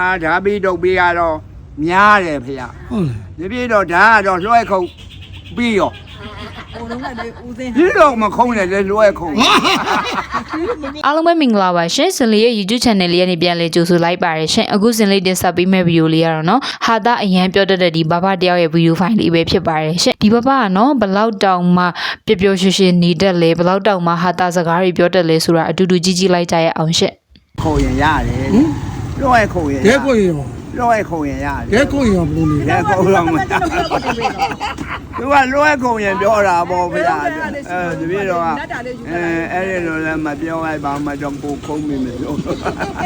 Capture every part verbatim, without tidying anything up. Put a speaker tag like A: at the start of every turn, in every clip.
A: ဒါပြီးတော့ပြီးကတော့များတယ်ဖေရဟုတ်လားဒီပြီးတော့ဒါကတော့လွှဲခုံပြီးရောဟိုလုံးကလေဦးစင်းဒီတော့မခုံးတယ်လေလွှဲခုံ
B: အားလုံးပဲမင်္ဂလာပါရှင်စင်လေးရဲ့ YouTube channel လေးကနေပြန်လဲကြိုဆိုလိုက်ပါရရှင်အခုစင်လေးတင်ဆက်ပေးမယ့်ဗီဒီယိုလေးကတော့နော်ဟာတာအရန်ပြောတတ်တဲ့ဒီဘဘတယောက်ရဲ့ဗီဒီယိုဖိုင်လေးပဲဖြစ်ပါတယ်ရှင်ဒီဘဘကနော်ဘလောက်တောင်မှပျော်ပျော်ရွှင်ရွှင်နေတတ်လဲဘလောက်တောင်မှဟာတာစကားတွေပြောတတ်လဲဆိုတာအတူတူကြည့်ကြည့်လိုက်ကြရအောင်ရှင်
A: ခုံရင်ရတယ်လွှဲခုံရင်
C: ရဲခုံရင်
A: လွှဲခုံရင်ရတယ်
C: ရဲခုံရင်ဘယ်လိုလဲ
A: ရဲခုံတော့မသူကလွှဲခုံရင်ပြောတာပေါ့ဗျာအဲဒီပြီးတော့အဲအဲ့ဒီလိုလည်းမပြောလိုက်ပါမှတော့ကိုခုံးမိမယ်လို့
C: ဒါ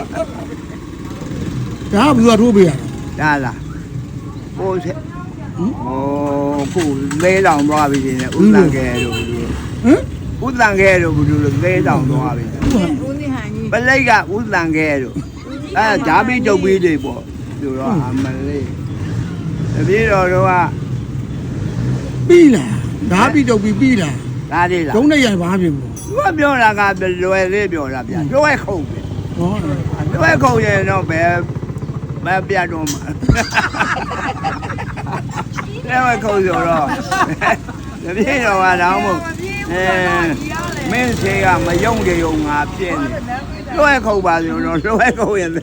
C: ကဘယ်သူကထိုးပေးရ
A: တာဒါလားဟိုဟိုခုလေးတောင်သွားပြီရှင်ဥတန်ကဲတို့ဟမ်ဥတန်ကဲတို့ဘယ်လိုလဲလေးတောင်သွားပြီပလိတ်ကဥတန်ကဲတို့အဲဓာပြီးတုတ်ပြီးတွေပေါ့သူတော့အမလေးတပည့်တော်တို့က
C: ပြီးလားဓာပြီးတုတ်ပြီးပြီးလား
A: ဒါလေးလား
C: ဒုံးနဲ့ရိုင်ပါပြင်ဘူး
A: သူကပြောတာကလွယ်လေးပြောတာဗျာလွယ်ခုံပဲ
C: ဟော
A: လွယ်ခုံရင်တော့ဘယ်မပြတ်တော့မှာလွယ်ခုံဆိုတော့တပည့်တော်ကတော့မို့အဲမင်းစေကမယုံကြုံငါပြည့်နေလွယ်ခုံပါဆိုတော့လွယ်ခုံရင်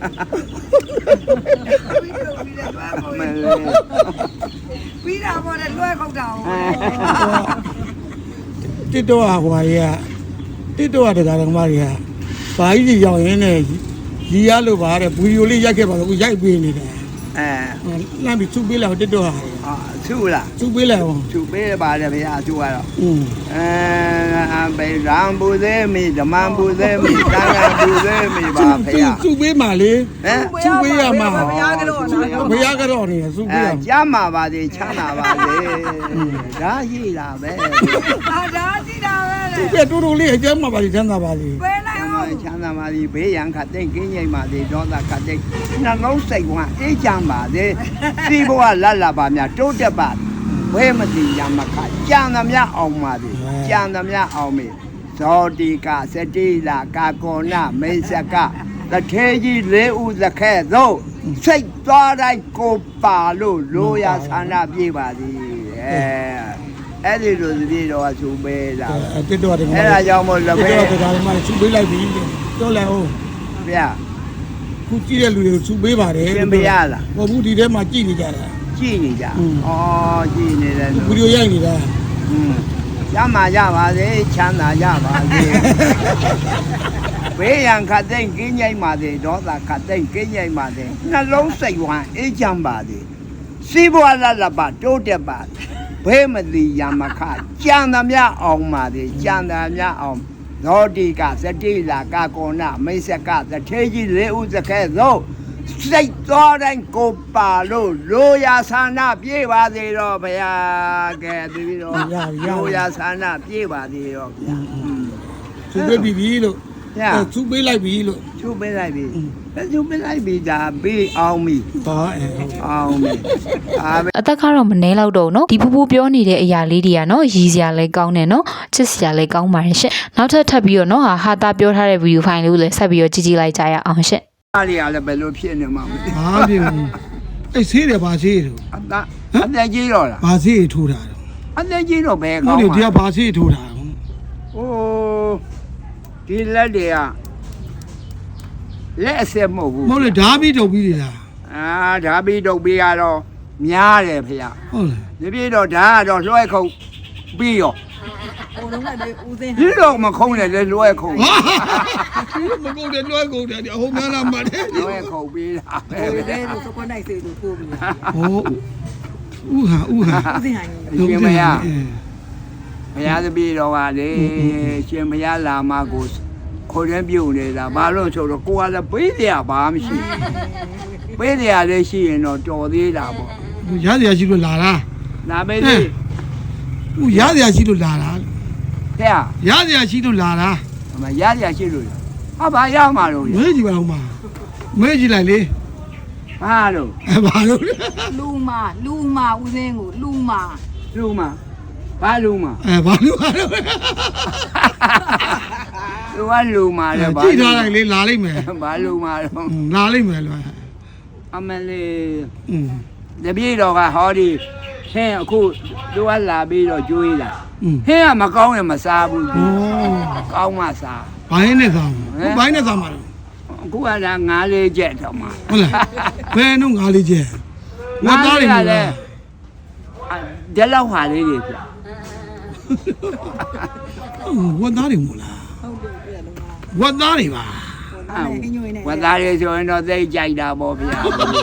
D: ပြီးတာပေါ့လေလွှဲခုတ်တာ
C: တစ်တော့ဟွာကြီးကတစ်တော့တရားတော်မကြီးကဘာကြီးကြီးရောက်ရင်းနဲ့ရီရလို့ပါတဲ့ဗီဒီယိုလေးရိုက်ခဲ့ပါတော့အခုရိုက်ပေးနေတယ်
A: အဲ
C: လမ်းပြီးသူ့ပေးလိုက်တစ်တော့ဟာ
A: ဟာသူ့လား
C: သူ့ပေးလိုက်ဟော
A: သူ့ပေးပါတယ်ဗျာသူ့ကတော့
C: อืม
A: အဲဘယ်ရံပူသေးမီဓမ္မပူသေးမီတန်ခါပူသေးမီပါဗျာ
C: သူ့ပေးမှလေ
A: ဟမ်
C: သူ့ပေးရမှာ
D: ဘုရားကတော့
C: ဘုရားကတော့နေသူ့ပေးရ
A: မှာကြားမှာပါသေးချမ်းသာပါလေဒါရှိတာပဲ
D: ဟာဒါရှိတာပဲ
C: သူ့ပေးတူတူလေးအကျမ်းမှာပါချမ်းသာပါလေ
D: ဘယ်လိုက်အောင်
A: ချမ်းသာပါလေဘေးရန်ခတ်တဲ့ကင်းငိမ့်ပါသေးဒေါသခတ်တဲ့နှလုံးစိတ်ကအေးချမ်းပါသေးစီဘဝလတ်လာပါများတိုးတက်ပါဘဲမတိရမခကြံသမျှအောင်ပါသေးကြံသမျှအောင်မေဇောတိကစတိလာကာကောနမိတ်ဆကတထေကြီးလေးဦးသခဲသို့စိတ်သွားတိုင်းကိုပါလို့လိုရာဆန္ဒပြေးပါသည်အဲအဲ့ဒီလိုတပြေတော့သူပေးတာ
C: တစ်တော့တယ်
A: အဲ့ဒါကြောင့်မို့လက်ပဲ
C: တစ်တော့တယ်မှသူပေးလိုက်ပြီတော့လဲဟုတ်
A: ဗျာ
C: ခုကြည့်တဲ့လူတွေကိုသူပေးပါတယ်
A: ပြင်ပေးရလား
C: ဟောဘူးဒီထဲမှာကြည့်နေကြတာ
A: ကြည့်နေကြဩကြည့်နေတယ်
C: ဗီဒီယိုရိုက်နေတာ
A: อืมရမှာရပါစေချမ်းသာရပါစေဘေးရန်ခတ်တဲ့ကင်းငိမ့်ပါစေဒေါသခတ်တဲ့ကင်းငိမ့်ပါစေနှလုံးစိတ်ဝမ်းအေးချမ်းပါစေစီးပွားလတ်လပ်ပါတိုးတက်ပါဘဲမတိရမခကြံသမျှအောင်ပါစေကြံသမျှအောင်သောတိကစတိလာကာကောနမိတ်ဆကတထေကြီးလေးဦးစခဲသို့စိတ်သွားတိုင်းကိုပါလို့လိုရာဆန္ဒပြေးပါသေးတော့ဗျာကဲတပြီးတော့လိုရာဆန္ဒပြေးပါသေးတော့ဗျာ
C: သူပေးပြီပြီလို့သူပေးလိုက်ပြီလို့
A: သူပေးလိုက်ပြီသူပေးလိုက်ပြီဒါပေးအောင်ပြီ
C: ဟာ
A: အောင်ပြီ
B: အသက်ကတော့မနှဲတော့တော့နော်ဒီဖူးဖူးပြောနေတဲ့အရာလေးတွေကနော်ရည်စရာလည်းကောင်းတယ်နော်ချစ်စရာလည်းကောင်းပါတယ်ရှင့်နောက်ထပ်ထပ်ပြီးတော့နော်ဟာဟာတာပြောထားတဲ့ဗီဒီယိုဖိုင်လေးကိုလည်းဆက်ပြီးတော့ကြည့်ကြည့်လိုက်ကြရအောင်ရှင့်
A: အားရလည်းဘယ်လိုဖြစ်နေမှာမသိ
C: ဘာဖြစ်လဲအဲ့ဆေးတယ်ဘာဆေးတယ်
A: အသက်အသက်ကြီးတော့လား
C: ဘာဆေးထိုးတာတော့
A: အသက်ကြီးတော့ဘယ်ကောင်း
C: လဲဒီကဘာဆေးထိုးတာ
A: ဟိုဒီလက်တွေကလက်အဆက်မဟုတ်ဘူး
C: မဟုတ်လေဓာပြီးတုပ်ပြီးလား
A: အာဓာပြီးတုပ်ပြီးကတော့များတယ်ဖေရ
C: ဟုတ်လား
A: ဒီပြေတော့ဓာကတော့လွှဲခုံပြီးရော
D: ဟိုလုံးကလေဦးစင်း
A: ဒီတော့မခုံးတယ်လေလွှဲခုံ
C: မကုတ်တယ်လွှဲကုတ်တယ်အဟုတ်များလားမတယ်
A: လွှဲခုံပြီးတာပဲ
D: ဟိုတဲလို့စကွန်နိုင်စေလို့ထိုးပြီး
C: ဟောဥဟာဥဟာ
D: ဦးစင်းဟို
A: ရှင်မရဘုရားတပည့်တော်ကလေရှင်ဘုရားလာမကိုခေါ်ရမ်းပြုတ်နေတာဘာလို့ဆိုတော့ကိုကလည်းပေးတရားဘာမှမရှိပေးတရားလည်းရှိရင်တော့တော်သေးတာပေါ့
C: ရစရာရှိလို့လာလား
A: လာမေးသေး
C: ဥရစရာရှိလို့လာလား
A: တဲ့
C: ရစရာရှိလို့လာလား
A: အမရစရာရှိလို့ဟာဘာရမှာလို့
C: မေးကြည့်ပါဦးမမေးကြည့်လိုက်လေ
A: ဘာလို့
C: ဘာလို့
D: လူမာလူမာဦးစင်းကိုလူမာ
A: လူမာဘာလူမာ
C: အဲဘာလို့ဘာလို့
A: သူကလူမာလေ
C: ဘာကြည့်ထားလိုက်လေလာလိမ့်မယ်
A: ဘာလူမာတော့
C: လာလိမ့်မယ်လို့
A: အမလေး
C: อืม
A: တပည့်တော်ကဟောဒီဟင်းအခုသူကလာပြီးတော့ကျွေးလာ
C: อืม
A: ဟင်းကမကောင်းရင်မစားဘူး
C: โอ้
A: ကောင်းမှစား
C: ဘိုင်းနဲ့စားမှာဘိုင်းနဲ့စားမှာ
A: အခုကလည်းငါးလေးချက်တော့မှ
C: ဟုတ်လားဘယ်နှုတ်ငါးလေးကျဲဝတ်သားတွေမလား
A: ဒီလောက်ဟာလေးတွေပြ
C: ဝတ်သားတွေမလား
D: ဟုတ်တယ်ပြလုံးလား
C: ဝတ်သားတွေပါ
A: ဝတ်သားတွေဆိုရင်တော့သိကြိုက်တာပေါ့ဗျာ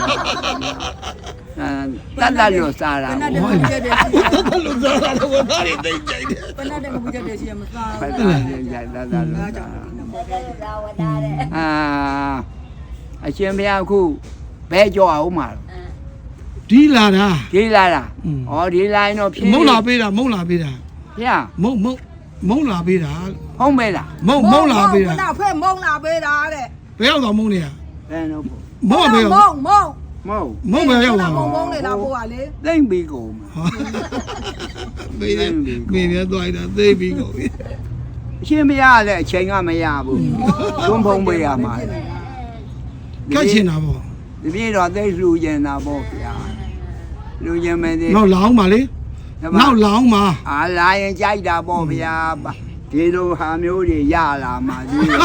A: အဲတတ်တတ်လို့စားတာ
D: ဘယ်နဲ့တည်းကြက်တယ်ရှိရ
C: လူစားတာဝတ်သားတွေသိကြိုက်တယ်
D: ဘယ်နဲ့တည်းမကြက်တယ်ရှိရမစား
A: တတ်
D: ဘူး
A: တတ်လို့ကြိုက်တတ်တတ်လို့စားအာအရှင်ဘုရားအခုဘဲကြောအောင်မှာ
C: ဒီလာတာ
A: ဒီလာတာဩဒီလာရင်တော့ဖြင်း
C: မုံလာပေးတာမုံလာပေးတာ
A: ဗျာ
C: မုံမုံမုံလာပေးတာ
A: ဟုတ်မဲလား
C: မုံမုံလာပေးတာ
D: ဘယ်ဖဲမုံလာပေးတာတဲ့
C: ဘယ်ရောက်တော့မုံနေရ
A: ဘယ်တော့
C: မုံဘယ်
D: မုံ
C: ရောက်
D: မုံ
A: မဟုတ်
C: မုံဘယ်ရောက်
D: မုံ
C: တော့
D: မုံနေတာပို့ပါလေ
A: သိမ့်ပြီးကုန်မှာ
C: မေးတယ်မေးတယ်သွားရတာသိပြီးကုန်ပြီ
A: အရှင်ဘုရားလည်းအချိန်ကမရဘူးသွန်းဖုံးပေးရမှာ
C: ကတ်ချင်တာပေါ့
A: ဒီပြေတော့သိလှူကျင်တာပေါ့ဗျာလှူကျင်မယ်ဒီ
C: နောက်လောင်းပါလေနောက်လောင်းပါ
A: အာလာရင်ကြိုက်တာပေါ့ဗျာဒီလိုဟာမျိုးတွေရလာမှာဒီလို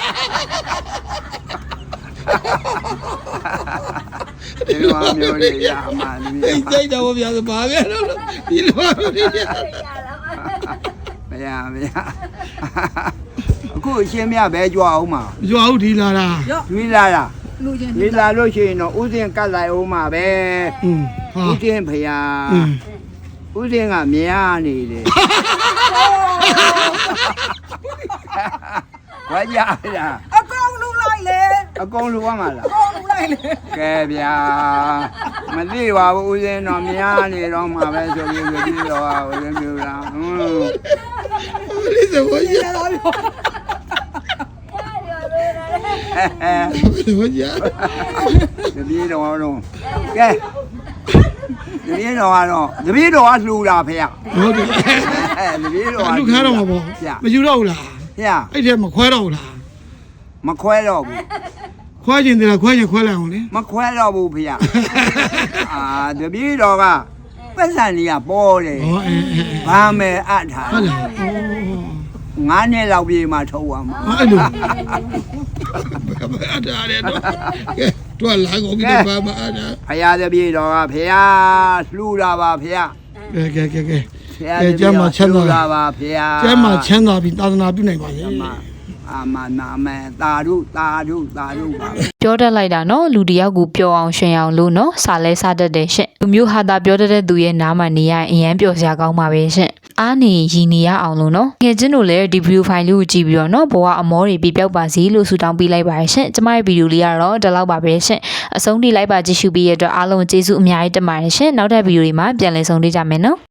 A: ဒီလိုဟာမျိုးတွေရမှာဒီ
C: သိကြိုက်တော့ဗျာဆိုပါပဲလို့ဒီလိုပါလို့
A: ဗျာဗျာအခုအရှင်မြတ်ပဲကြွအောင်မှာ
C: ရွာဟုတ်ဒီလာတာ
D: ရော့
A: ကျွေးလာတာ
D: လူချင်း
A: ဒီလာလို့ရှိရင်တော့ဥစဉ်ကတ်လိုက်အောင်မှာပဲ
C: อืมဟာ
A: ဥစဉ်ဖျား
C: อืม
A: ဥစဉ်ကမြားနေတယ်ဘာကြလား
D: အကောင်လူလိုက်လေ
A: အကုန်လူရမှာလား
D: အကောင်လူလိုက်လေ
A: ကဲဗျာမသိပါဘူးဥစဉ်တော့မြားနေတော့မှာပဲဆိုပြီးဆိုပြီးတော့ဥစဉ်မျိုးလားဟွန်း
C: လေးစဘောကြီး
D: ရတော့ရော
A: အဲ
C: ဘောကြီး
A: တပည့်တော်တော့ကဲတပည့်တော်ကတော့တပည့်တော်ကလှူတာဖေရ
C: ဟုတ်တယ်
A: အဲတပည့်တော်က
C: လူခါတော့မှာပေါ့မယူတော့ဘူးလား
A: ဖေရ
C: အဲ့ထဲမခွဲတော့ဘူးလား
A: မခွဲတော့ဘူး
C: ခွဲခြင်းတည်းခွဲခြင်းခွဲလိုက်အောင်လေ
A: မခွဲတော့ဘူးဖေရအာတပည့်တော်ကပတ်စံကြီးကပေါ်တယ်
C: ဟောအဲအဲ
A: ဘာမယ်အပ်ထား
C: ဟုတ်လား
A: ငါးနှစ်လောက်ပြေးမှထုတ်ရမှာ
C: အဲ့လိုဘာတာရဲတော့ကဲတော့လာကုန်ပြီဘာမအားတာ
A: ဖရာတပည့်တော်ကဖေရလှူတာပါဖေရ
C: ကဲကဲကဲကဲ
A: ဖေရတပည့်တော်လှူတာပါဖေရ
C: ကျမ်းမှာချမ်းသာပြီးသာသနာပြုနိုင်ပါစေ
A: အာမနာမေတာရုတာရုတာရုပါ
B: ပြောတတ်လိုက်တာနော်လူတယောက်ကိုပျော်အောင်ရှင်အောင်လို့နော်စာလဲစားတတ်တယ်ရှင့်လူမျိုးဟာတာပြောတတ်တဲ့သူရဲ့နားမှာနေရရင်အရန်ပျော်စရာကောင်းပါပဲရှင့်အားနေရည်နေရအောင်လို့နော်ငယ်ချင်းတို့လည်းဒီဗီဒီယိုဖိုင်လေးကိုကြည့်ပြီးတော့နော်ဘဝအမောတွေပြပြောက်ပါစေလို့ဆုတောင်းပေးလိုက်ပါရရှင့်ကျမရဲ့ဗီဒီယိုလေးကတော့ဒီလောက်ပါပဲရှင့်အဆုံးထိလိုက်ပါကြည့်ရှုပြီးရတဲ့အတွက်အားလုံးကျေးဇူးအများကြီးတင်ပါတယ်ရှင့်နောက်ထပ်ဗီဒီယိုတွေမှာပြန်လည်ဆုံတွေ့ကြမယ်နော်